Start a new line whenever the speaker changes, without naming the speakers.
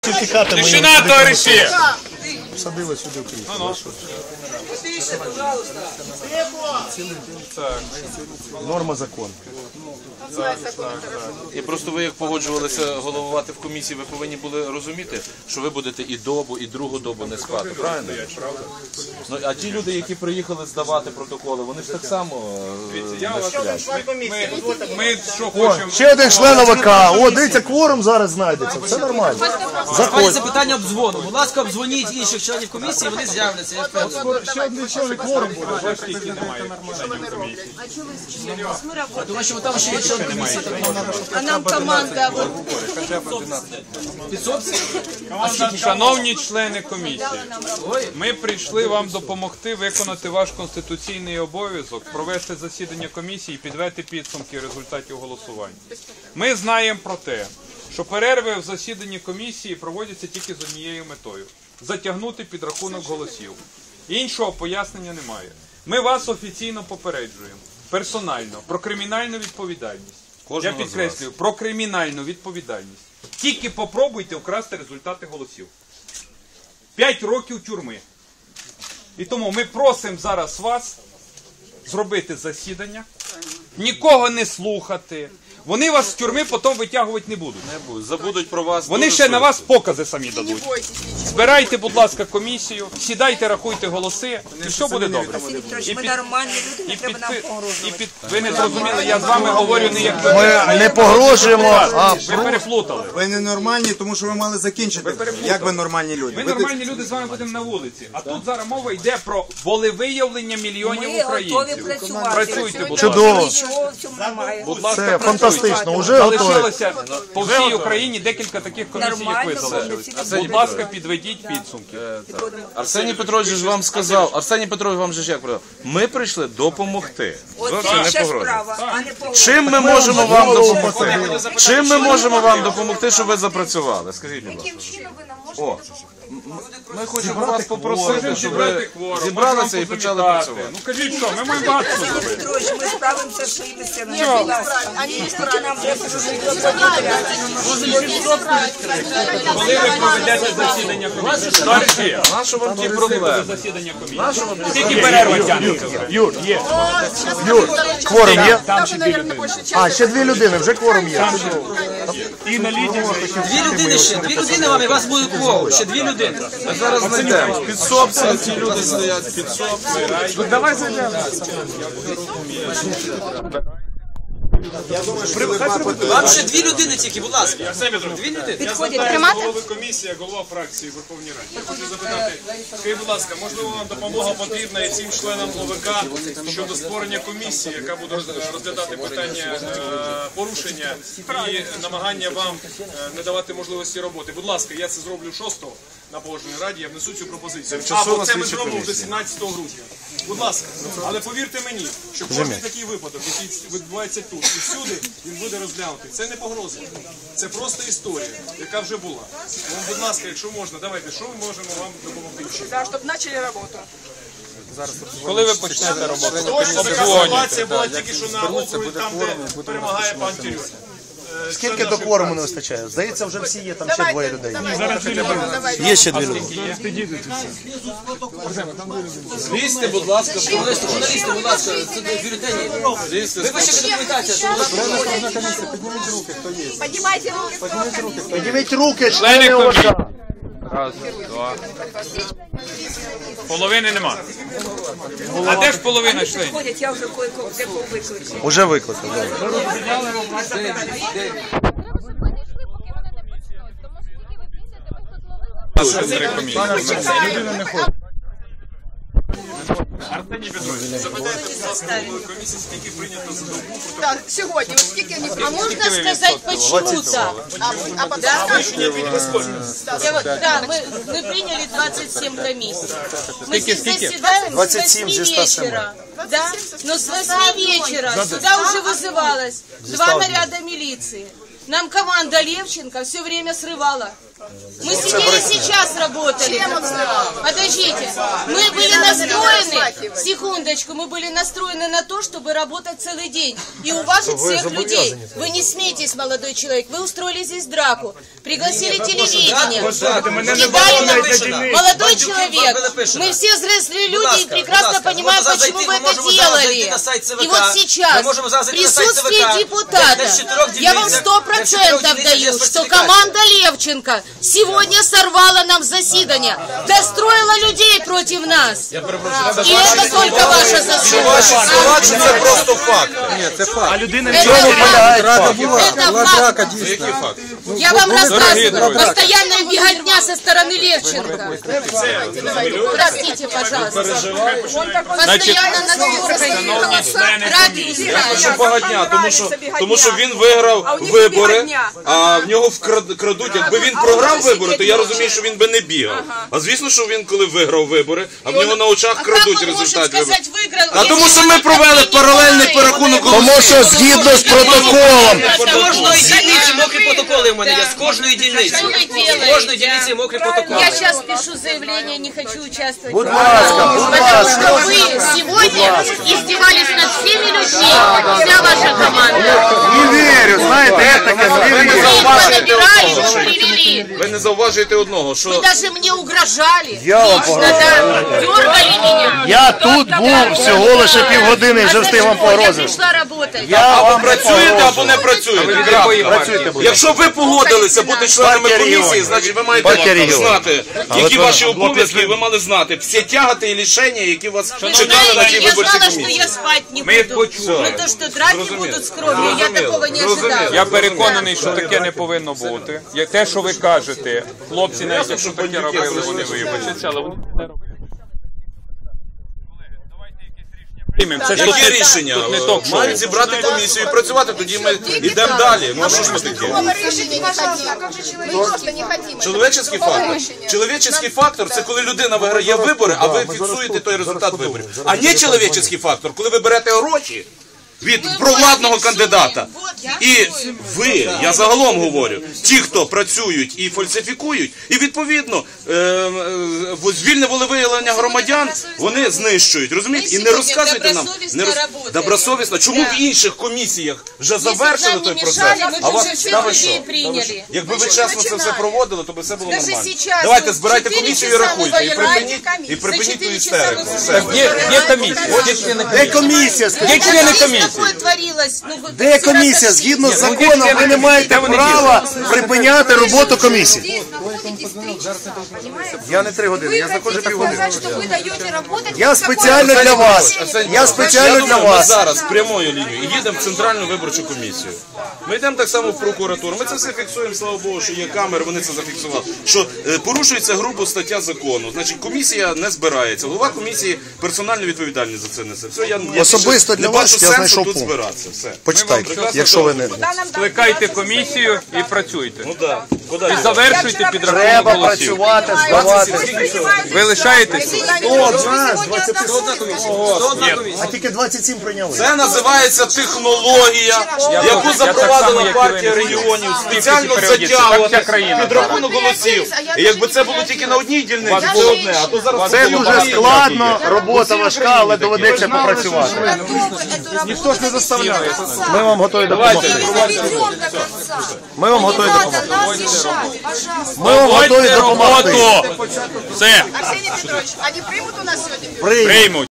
Тишина, товариші!
Садили сюди в крісло. Норма закону.
І просто ви, як погоджувалися головувати в комісії, ви повинні були розуміти, що ви будете і добу, і другу добу не спати, правильно? Ну, а ті люди, які приїхали здавати протоколи, вони ж так само не сплять.
Ми що хочемо?
Ще один член ОВК. О, дивіться, кворум зараз знайдеться. Все нормально.
Заходь. Це питання обдзвону. Будь ласка, обдзвоніть інших членів комісії, вони з'являться. Я впевнений.
Ще один член кворум буде.
Тому що там ще є член комісії.
А нам команда.
Шановні члени комісії, ми прийшли вам допомогти виконати ваш конституційний обов'язок, провести засідання комісії і підвести підсумки результатів голосування. Ми знаємо про те, що перерви в засіданні комісії проводяться тільки з однією метою – затягнути підрахунок голосів. Іншого пояснення немає. Ми вас офіційно попереджуємо, персонально, про кримінальну відповідальність. Я підкреслюю, про кримінальну відповідальність. Тільки попробуйте вкрасти результати голосів. 5 років тюрми. І тому ми просимо зараз вас зробити засідання, нікого не слухати. Вони вас з тюрми потім витягувати не будуть.
Забудуть про вас.
Вони ще на вас покази самі дадуть. Збирайте, будь ласка, комісію, сідайте, рахуйте голоси, і все буде добре.
Ми нормальні люди, не треба нам погрожувати.
Ви не зрозуміли, я з вами говорю не як
Ми не погрожуємо, а
ви переплутали.
Ви не нормальні, тому що ви мали закінчити. Як ви нормальні люди?
Ми нормальні люди з вами будемо на вулиці. А тут зараз мова йде про волевиявлення мільйонів
Ми готові
українців.
працювати.
Працюйте, будь ласка.
чудово.
Нічого в цьому немає.
Будь ласка,
Це
працюйте.
фантастично. Уже готові.
Залишилося по всій Україні декілька таких комісій, як ви
Нормально,
залишились.
повноцінно.
Будь ласка, підведіть підсумки.
Арсеній Петрович ж вам сказав, Арсеній Петрович вам же ж як сказав, ми прийшли допомогти.
От
Зовсім
це
не
ще
погрожувати.
справа, а не погроза.
Чим ми можемо вам допомогти? Чим ми можемо вам допомогти, щоб ви запрацювали? Скажіть, будь ласка.
Яким чином ви нам можете
О,
допомогти?
ми хочемо вас попросити, щоб
Зібрати
ви
кворум,
зібралися і почали працювати.
Ну кажіть що, ми маємо багато що
Сергій
зробити.
Петрович, ми справимося з своїми силами. Будь ласка. Скільки нам треба
Коли ви проведете засідання комісії? Товариші,
Нащо вам ті проблеми?
засідання комісії. Скільки перерва тягнеться вже?
Юр, кворум є? А, ще 2 людини, вже кворум є.
Дві людини ще, 2 людини вам, і у вас буде кворум. Ще 2 людини.
Ми зараз знайдемо. Підсобці, ці люди стоять, підсобці.
Давай зайдемо.
Вам ще 2 людини тільки, будь ласка. 2 людини.
Голови комісії, голова фракції в Верховній Раді. Я хочу запитати, скажіть, будь ласка, можливо, вам допомога потрібна і цим членам ОВК щодо створення комісії, яка буде розглядати питання порушення і намагання вам не давати можливості роботи. Будь ласка, я це зроблю 6-го на Погоджувальній раді, я внесу цю пропозицію. Або це ми зробимо вже 17 грудня. Будь ласка, але повірте мені, що кожен такий випадок, який відбувається тут і всюди, він буде розглянутий. Це не погроза, це просто історія, яка вже була. Тому, будь ласка, якщо можна, давайте, що ми можемо вам допомогти?
Да, чтобы начали работу.
Коли ви почнете роботу?
Точно така ситуація була тільки що на округі, там, де перемагає пан Тюрюк.
Скільки до кворуму не вистачає? Здається, вже всі є, там ще 2 людей.
Є
ще 2 люди.
Злізьте, будь ласка,
Журналісти, будь ласка, це бюлетені. Ви ваша документація.
Поднимайте руки.
Підніміть руки,
Члени
члени ОВК.
комісії. Раз, два. Половини нема. А де ж половина членів?
Ходять, я вже кое-кого викликала.
Уже викликав.
Комісії скільки прийнято за добу?
Так, сьогодні, от скільки вони
А можно сказать, почему так?
а потом
Да, мы приняли 27 комиссий. Мы здесь заседаем с
27
8
здесь та сама.
вечера. Да? Но с 8 вечера сюда уже вызывалось 2 наряда милиции. Нам команда Левченко все время срывала. Мы сидели сейчас работали. Подождите. Мы были настроены, секундочку, мы были настроены на то, чтобы работать целый день и уважить всех людей. Вы не смейтесь, молодой человек. Вы устроили здесь драку. Пригласили телевидение. Молодой человек, мы все взрослые люди и прекрасно понимаем, почему вы это делали. И вот сейчас, в присутствии депутата, я вам 100% даю, что команда Левченко сегодня сорвала нам заседание, достроила людей против нас. И это только ваша заслуга.
Ваші слова, чи це просто факт?
Это факт.
Який факт?
Я вам рассказываю. Постоянная беготня со стороны Левченко. Простите, пожалуйста. Постоянно на
Багатня, тому що він виграв вибори, а в нього крадуть. Якби він програв вибори, то я розумію, що він би не бігав. А звісно, що він, коли виграв вибори, а в нього на очах крадуть результат виборів. А тому що ми провели паралельний перерахунок голосів.
Тому що згідно з протоколом.
З кожної дільниці мокрі протоколи в мене є. З кожної дільниці. З кожної дільниці мокрі протоколи.
Я сейчас пишу заявление, не хочу участвовать.
Будь ласка, будь
Потому
ласка.
что вы сегодня издевались над всеми людьми, вся ваша команда.
Не вірю, знаєте, я таке не
Вы
вірю.
их понабирали, привели.
Ви не зауважуєте одного,
Вы
що
даже мне угрожали.
Я вам
Лично, да, дергали меня.
Я тут був всього лише півгодини, вже встиг вам
Я
погрозити.
пришла работать.
Я
або
вам не
працюєте, або
погрожую.
не працюєте.
Працюйте, будь ласка.
Якщо ви погодилися бути членами
Партія
комісії,
регіонів.
значить ви
Партія
маєте
регіонів.
знати,
Але
які
ви
ваші
блок
обов'язки, і ви мали знати всі тягати і лишення, які вас чекали на цій
Я
виборчій
знала, что
комісії.
я спать не
Мы их
буду.
почули.
Но то, что драки будут с кровью, я такого не ожидала.
Я переконаний, що таке не повинно бути. Як те, що ви кажете, хлопці, навіть якщо таке робили, вони вибачаться, але вони не робили. Це ж
Які рішення?
тут не ток-шоу.
Мають зібрати комісію і працювати, тоді ми йдемо далі. Ну що ж ми таке?
Решения не хотим. Мы просто не хотим.
Чоловічий фактор. Чоловічий фактор – це коли людина виграє вибори, а ви фіксуєте той результат виборів. А не чоловічий фактор, коли ви берете гроші від провладного кандидата. І ви, я загалом говорю, ті, хто працюють і фальсифікують, і відповідно вільне волевиявлення громадян вони знищують, розумієте? І не розказуйте нам. Добросовісно. Чому в інших комісіях вже завершили той процес? А вас цікаво що? Якби ви чесно це все проводили, то би все було нормально. Давайте, збирайте комісію і рахуйте. І припиніть ту істерику. Все.
Є комісія.
Де комісія?
Є члени комісії.
Де комісія? Згідно з законом ви не маєте права припиняти роботу комісії. Я не 3 години, я знаходжу півгодини. Я спеціально для вас. Я спеціально для
Ми
вас.
зараз прямою лінією їдемо в Центральну виборчу комісію. Ми йдемо так само в прокуратуру. Ми це все фіксуємо, слава Богу, що є камери, вони це зафіксували. Що порушується грубо стаття закону. Значить, комісія не збирається. Голова комісії персонально відповідальний за це несе. Все, я
Особисто для
не бачу
вас я
сенсу
знайшов
тут
пункт.
збиратися. Все.
Почитайте, якщо ви не...
Скликайте комісію і працюйте.
Ну так.
І завершуйте підрахунок
Треба
голосів.
працювати, здавати.
Ви лишаєтесь?
А тільки 27 прийняли.
Це називається технологія, яку запровадила партія регіонів, спеціально затягувати підрахунок голосів. І якби це було тільки на одній дільниці, це одне, а то зараз
Це
було
дуже
багато.
складно, робота важка, але доведеться попрацювати.
Ніхто ж не заставляє.
Ми вам готові допомогти. Ми вам готові допомогти. Ми вам готові допомогти.
Все,
Арсений Петрович, они примут у нас сегодня?
Приймемо.
приймуть.